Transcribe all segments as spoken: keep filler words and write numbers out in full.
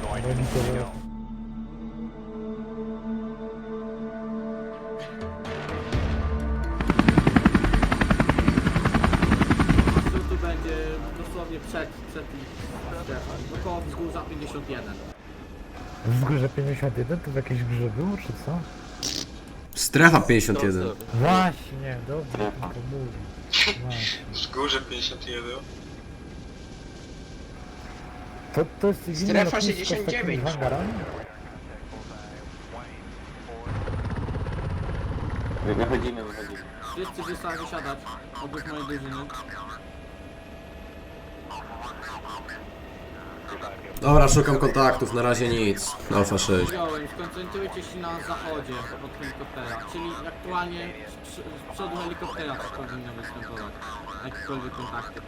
Tu będzie dosłownie przed, przed strefą. Około wzgórza pięćdziesiąt jeden. Wzgórze pięćdziesiąt jeden to w jakiejś grze było, czy co? Strefa pięćdziesiąt jeden. Właśnie, dobrze, tylko mówi. Właśnie. Wzgórze pięćdziesiąt jeden. To, to jest inne Strefa lotnisko z sześćdziesiąt dziewięć. takimi hangarami? Wychodzimy, wychodzimy. Wszyscy wysa- wysiadać obok mojej drużyny. Dobra, szukam kontaktów, na razie nic. Alfa sześć. Wziąłem, skoncentrujcie się na zachodzie od helikoptera, czyli aktualnie z, przy- z przodu helikoptera coś powinno występować. Jakiekolwiek kontakty.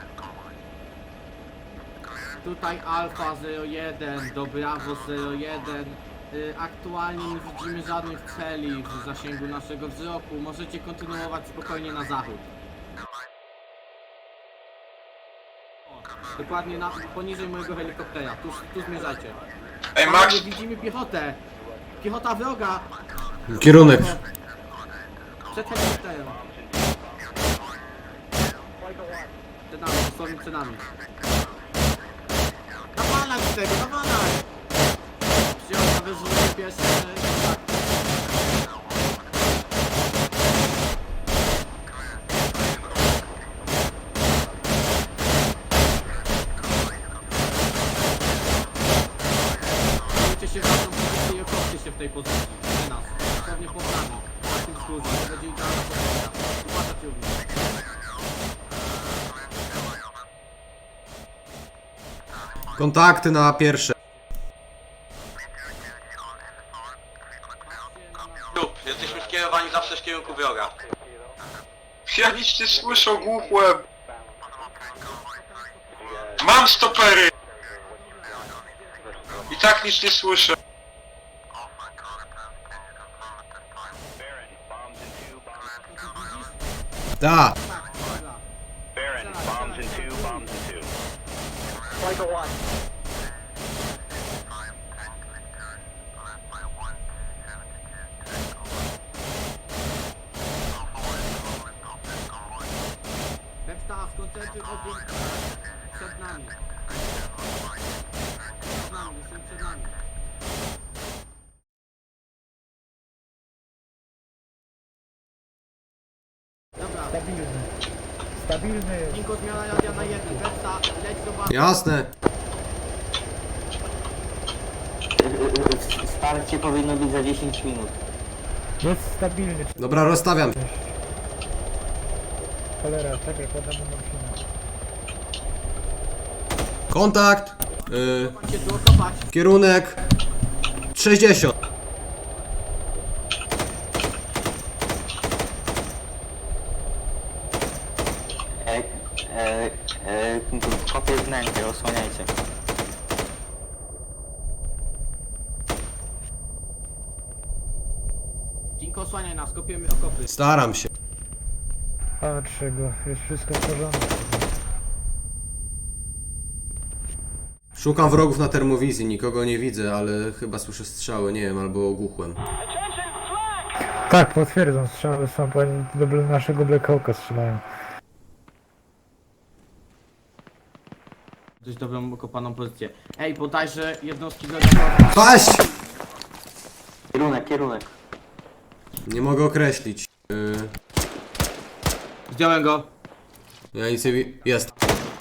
Tutaj Alfa zero jeden do Bravo zero jeden. Y, Aktualnie nie widzimy żadnych celi w zasięgu naszego wzroku. Możecie kontynuować spokojnie na zachód. O, dokładnie na, poniżej mojego helikoptera. Tu, tu zmierzajcie. Ej, Panowie, Max! widzimy piechotę. Piechota wroga. Kierunek. Przed helikopterem. Przed nami, dosłownie przed nami. Nawalać z tego, nawalać! Przyjął na wyrzutę pierwszy kontakt. Zajmujcie się waszą pozycję i okopcie się w tej pozycji. Przy nas. Dosłownie pod nami. Na tym wzgórzu. To będzie idealna pozycja. Uważać również. Kontakty na pierwsze. Lub, jesteśmy skierowani zawsze w kierunku wroga. Ja nic nie słyszę, głupłem! Mam stopery! I tak nic nie słyszę. Da. Baron, bombs in two, bombs in two. Pepsta, skoncentruj ogień przed nami. Przed nami, są przed nami. Dobra, Stabilny. Stabilny jest. Ninko zmiana radia na jeden. Pepsta, leć do bazy. Jasne. Wsparcie powinno być za dziesięć minut. Jest stabilny. Dobra, rozstawiam. Cholera, czekaj, podam mu morfinę. Kontakt. Yy, Chodźcie tu okopać. kierunek. sześćdziesiąt. E, e, e, kopię wnętrze, osłaniajcie. Ninko, osłaniaj nas, kopiemy okopy. Staram się. Patrzę go, jest wszystko w porządku. Szukam wrogów na termowizji, nikogo nie widzę, ale chyba słyszę strzały, nie wiem, albo ogłuchłem. Tak, potwierdzam, strzały są, bo do naszego Black Hawka strzelają. Dość dobrą okopaną pozycję. Ej, bodajże jednostki wroga. Paść! Kierunek, kierunek. Nie mogę określić. Yy, Zdjąłem go. ja nic nie wi... Jest.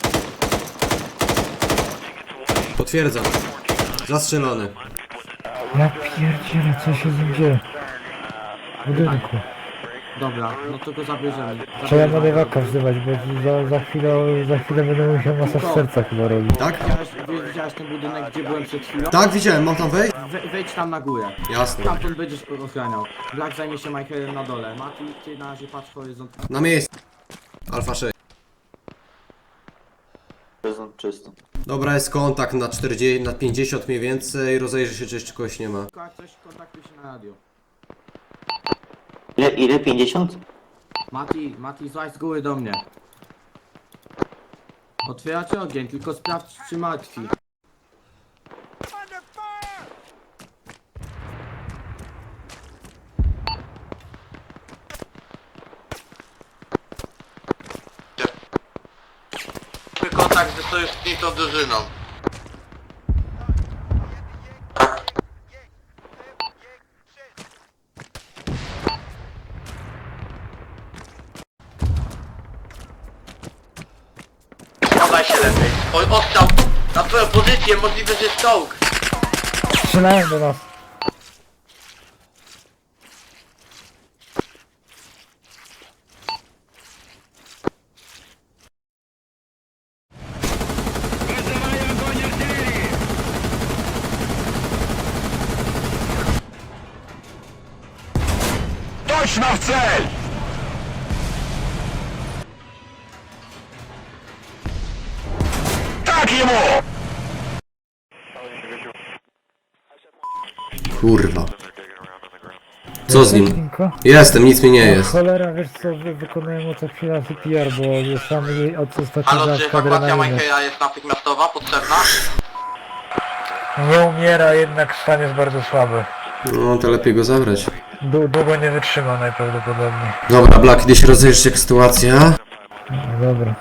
Potwierdzam. Zastrzelony. Ja pierdzielę, co się z nim dzieje? W budynku. Dobra, no to go zabierzemy. Trzeba medewaka wzywać, bo za, za chwilę, za chwilę będę musiał masaż serca chyba robić. Tak? Widziałeś, wi- widziałeś ten budynek, gdzie byłem przed chwilą? Tak, widziałem, mam tam wejść? We, wejdź tam na górę. Jasne. Tamtąd będziesz ochraniał. Black zajmie się Michaelem na dole. Mati, ty na razie patrz horyzont. Na miejscu. Alfa sześć. Horyzont czysty. Dobra, jest kontakt na czterdzieści, na pięćdziesiąt mniej więcej. Rozejrzę się, czy jeszcze kogoś nie ma. Tylko jak coś, kontaktuj się na radio. Ile, ile? pięćdziesiąt? Mati, Mati, złaź z góry do mnie. Otwieracie ogień, tylko sprawdź, czy martwi. wszystkim tą drużyną. Schowaj się lepiej. Oj, ostrzał na twoją pozycję, możliwe, że jest czołg. Strzelają do nas. Kurwa. Co z nim? Tinko? Jestem, nic mi nie jest. Cholera, wiesz co, wy wykonujemy co chwila C P R, bo sam jej od ostatniego Halo, czy dawka ewakuacja adrenaliny. Michaela jest natychmiastowa, potrzebna? Nie umiera, jednak stan jest bardzo słaby. No to lepiej go zabrać. Dłu- Długo nie wytrzyma najprawdopodobniej. Dobra, Black, idę się rozejrzeć jak sytuacja. No, dobra.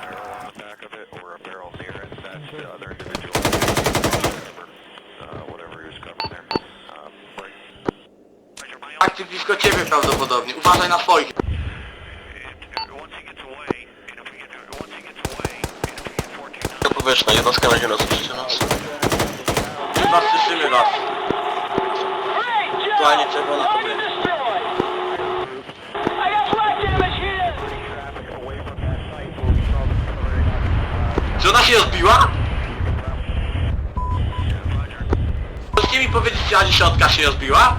Akcji blisko ciebie prawdopodobnie, uważaj na swoich. To powierzchnia, jednostka będzie nas przytrzymać. Chyba słyszymy was. Aktualnie czerwona to będzie. Czy ona się rozbiła? Możecie mi powiedzieć, czy A dziesiąt się rozbiła?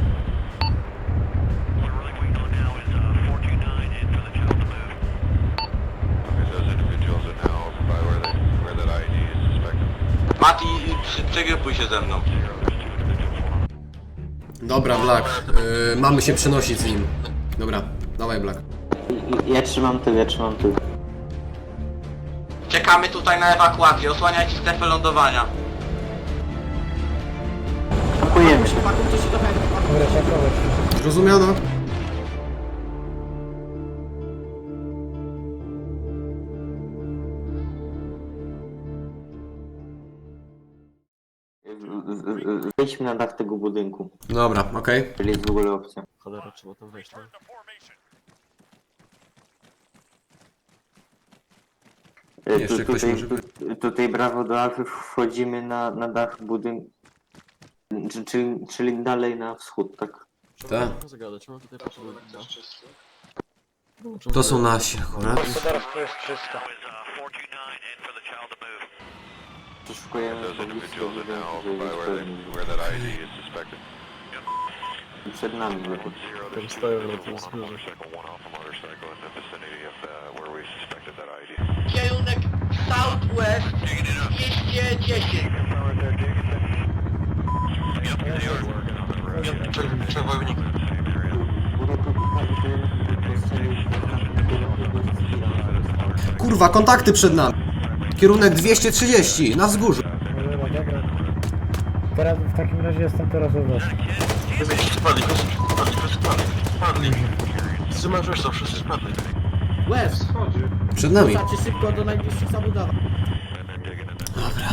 Mati, przy- przegrupuj się ze mną. Dobra, Black. Yy, mamy się przenosić z nim. Dobra, dawaj, Black. I- Ja trzymam tył, ja trzymam tył. Czekamy tutaj na ewakuację, osłaniajcie strefę lądowania. Pakujemy się. Pakujcie się do chętnych. Dobra, pakować się. Zrozumiano? W- w- w- Wejdźmy na dach tego budynku. Dobra, okej. Czyli jest w ogóle opcja. Cholera, trzeba tam wejść, tak? E, Jeszcze tu- ktoś tutaj, może być. tu- tutaj brawo do Alfy wchodzimy na, na dach budynku. Czy- Czyli, czyli dalej na wschód, tak? Tak. Trzeba zagadać, mam tutaj potrzebę. To są nasi akurat. Gospodarstwo jest czyste. Przeszukujemy poblisko budynku, żeby być pewni. Przed nami lepiej. Tam stoją na tym wzgórzu. Kierunek Southwest dwieście dziesięć. Przewodnik. Kurwa, kontakty przed nami. Kierunek dwieście trzydzieści, na wzgórzu. Dobra, dobra. Teraz w takim razie jestem teraz od was. Spadli, spadli, spadli, spadli. Wstrzymaj, że to wszyscy spadli. Łez! Przed nami. Wrzucacie szybko do najbliższych zabudowań. Dobra.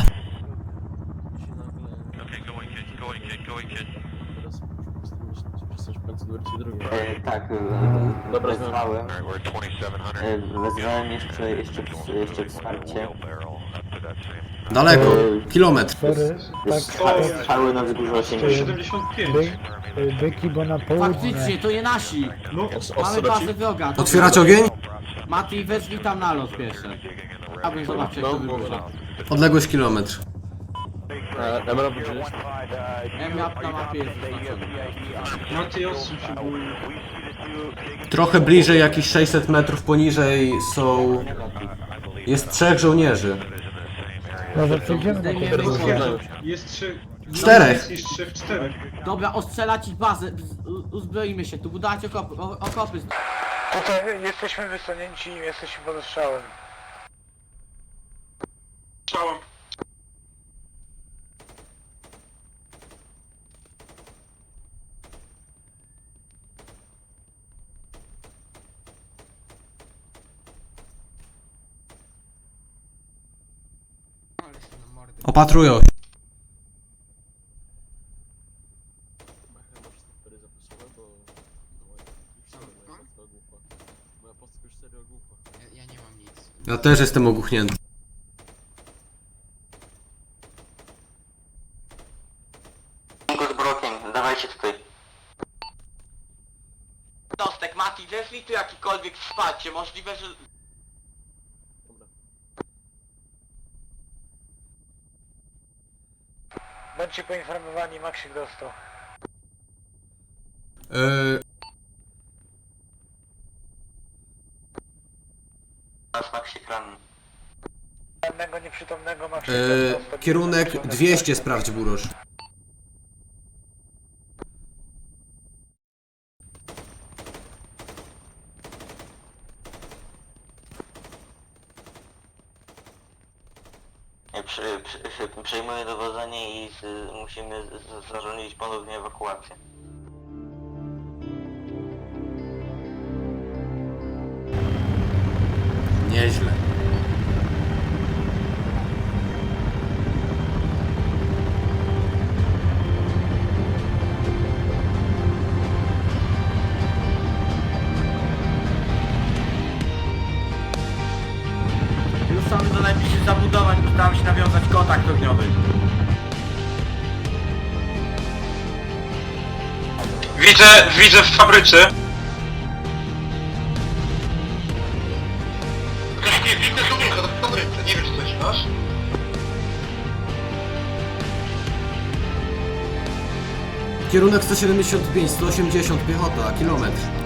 Teraz przestać w końcu do wersji drugiej. E, tak, e, Dobra, wezwałem. E, wezwałem jeszcze, jeszcze, jeszcze wsparcie. Daleko. Kilometr. Sorry, tak, Strza- Strzały na wzgórzu osiemdziesiąt. by, byki, bo na południe. Faktycznie, to nie nasi. No, Mamy bazę wroga. Otwierać ogień? Mati, wezwij tam na los pierwsze. Chciałbym zobaczyć, jak to wygląda. Odległość kilometr. Emerald gdzie jest? M-map na mapie jest zaznaczony. Trochę bliżej, jakieś sześćset metrów poniżej są... Jest trzech żołnierzy. Może przejdziemy na Zdejmiemy to. ich. Jest trzy. Czterech. Jest trzech, czterech. Dobra, ostrzelać ich bazę. Z- u- Uzbroimy się tu, budować okopy. o- okopy. Tutaj jesteśmy wysunięci i jesteśmy pod strzałem. Strzałem. Opatrują się. Chyba chyba wszystkie cztery zapisowe, bo... No, ich serio moja postka ogłuchła. Moja postka już serio ogłuchła. Ja, ja nie mam nic. Ja też jestem ogłuchnięty. Tylko z brokiem, dawajcie tutaj. Dostek, Mati, zeszli tu jakikolwiek wsparcie, możliwe, że... Dobra. Bądźcie poinformowani, Maksik dostał. Yy, Nasz Maksik ranny. Żadnego nieprzytomnego Maksik yy, dostał. kierunek dwieście sprawdź, Burosz. Przy, przy, przejmuję dowodzenie i z, musimy z, zarządzić ponownie ewakuację. Nieźle. Ruszamy do najbliższych zabudowań, postaramy się nawiązać kontakt ogniowy. Widzę, widzę w fabryce. Nie, widzę w fabryce, nie wiem czy coś masz. Kierunek sto siedemdziesiąt pięć, sto osiemdziesiąt piechota, kilometr.